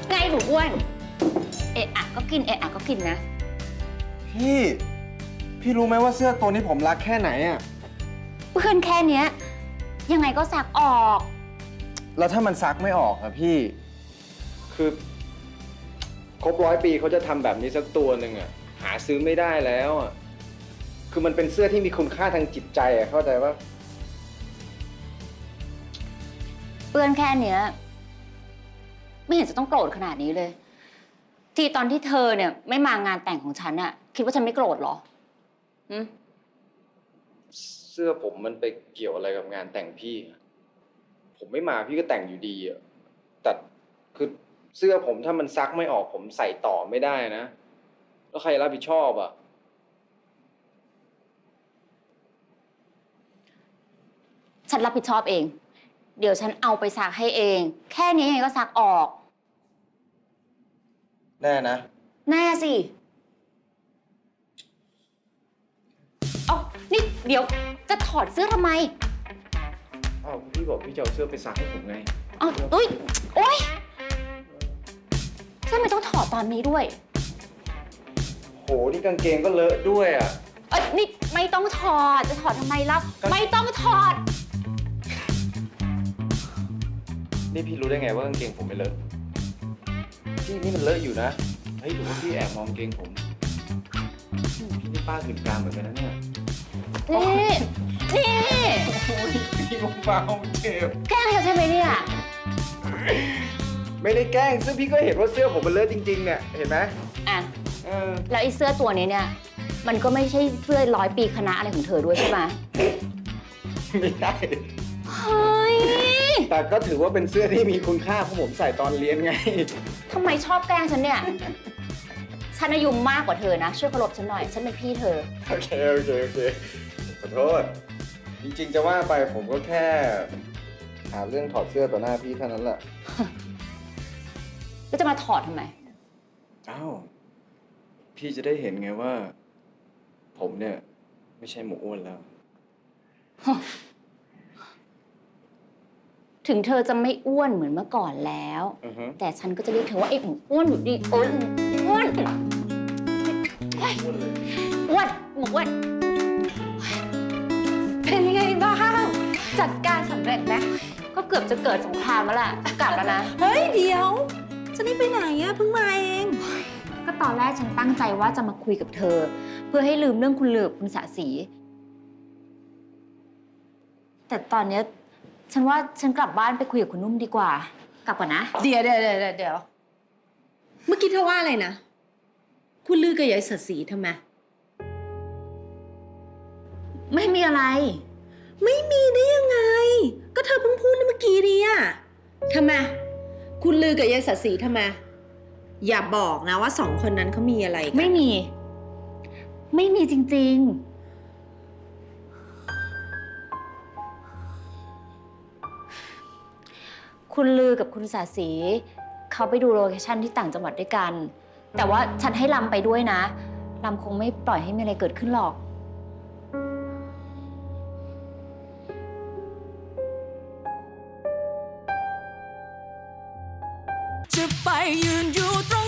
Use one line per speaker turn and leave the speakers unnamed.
ไงหนูอ้วนเอะอะก็กินเอะอะก็กินนะ
พี่รู้ไหมว่าเสื้อตัวนี้ผมรักแค่ไหนอ่ะ
เพื่อนแค่เนี้ยยังไงก็ซักออก
แล้วถ้ามันซักไม่ออกอะพี่คือครบ100 ปีเขาจะทำแบบนี้สักตัวหนึ่งอะหาซื้อไม่ได้แล้วอะคือมันเป็นเสื้อที่มีคุณค่าทางจิตใจอะเข้าใจว่า
เปื้อนแค่เนี้ยไม่เห็นจะต้องโกรธขนาดนี้เลย ที่ตอนที่เธอเนี่ยไม่มางานแต่งของฉันอะคิดว่าฉันไม่โกรธเหรอ
เสื้อผมมันไปเกี่ยวอะไรกับงานแต่งพี่ผมไม่มาพี่ก็แต่งอยู่ดีอะแต่คือเสื้อผมถ้ามันซักไม่ออกผมใส่ต่อไม่ได้นะแล้วใครรับผิดชอบอะ
ฉันรับผิดชอบเอง เดี๋ยวฉันเอาไปซักให้เอง แค่นี้ยังไงก็ซักออก
แน่นะ
แน่สิเอานี่เดี๋ยวจะถอดเสื้อทำไม
อ้าวพี่บอกพี่จะเอาเสื้อไปซักให้ผมไง
เอาอุ้ยโอ๊ยทำไมต้องถอดตอนนี้ด้วย
โหนี่กางเกงก็เลอะด้วยอ่ะ
นี่ไม่ต้องถอด จะถอดทำไมล่ะ ไม่ต้องถอด
นี่พี่รู้ได้ไงว่ากางเกงผมไม่เลอะพี่นี่มันเลอะอยู่นะเฮ้ยหรือว่าพี่แอบมองกางเกงผมพี่นี่ป้าถึงกลางเหมือนกันนะเนี่ย
นี่
พี่เบาเจ็บ
แกล้งเธอใช่ไหมเนี่ย
ไม่ได้แกล้งซึ่งพี่ก็เห็นว่าเสื้อผมมันเลอะจริงๆเนี่ยเห็นไหม
อ่ะ แล้วไอ้เสื้อตัวนี้เนี่ย มันก็ไม่ใช่เสื้อ100 ปีคณะอะไรของเธอด้วยใช่ไหม
ไม่ได้
เฮ้ย
แต่ก็ถือว่าเป็นเสื้อที่มีคุณค่าเพราะผมใส่ตอนเรียนไง
ทำไมชอบแกล้งฉันเนี่ย ฉันอายุมากกว่าเธอนะ ช่วยเคารพฉันหน่อย ฉันเป็นพี่เธอ
โอเคขอโทษจริงๆจะว่าไปผมก็แค่หาเรื่องถอดเสื้อต่อหน้าพี่เท่านั้นแหละ
ก็จะมาถอดทำไม
อ้าวพี่จะได้เห็นไงว่า ผมเนี่ยไม่ใช่หมูอ้วนแล้ว
ถึงเธอจะไม่อ้วนเหมือนเมื่อก่อนแล้ว แต่ฉันก็จะเรียกเธอว่าไอ้หมูอ้วนอยู่ดีอ้วนอ้วนอ้วนหมูอ้วน
เป็นไงบ้างจัดการสำเร็จไหม
ก็เกือบจะเกิดสงครามแล้วล่ะ กลับแล้วนะ
เฮ้ยเดี๋ยวจะนี่ไปไหนอะเพิ่งมาเอง
ก็ตอนแรกฉันตั้งใจว่าจะมาคุยกับเธอ เพื่อให้ลืมเรื่องคุณเหลือบคุณสะสี แต่ตอนเนี้ยฉันว่าฉันกลับบ้านไปคุยกับคุณนุ่มดีกว่า กลับก่อนนะ
เดี๋ยวเมื่อกี้เธอว่าอะไรนะคุณลือกับยายสศรีทำไม
ไม่มีอะไร
ไม่มีได้ยังไง ก็เธอเพิ่งพูดเมื่อกี้ดีอะทำไมคุณลือกับยายสศรีทำไมอย่าบอกนะว่า2 คนนั้นเขามีอะไรกัน
ไม่มี ไม่มีจริง ๆ คุณลือกับคุณสาสีเขาไปดูโลเคชั่นที่ต่างจังหวัดด้วยกัน แต่ว่าฉันให้ลำไปด้วยนะลำคงไม่ปล่อยให้มีอะไรเกิดขึ้นหรอก
จะไปยืนอยู่ตรง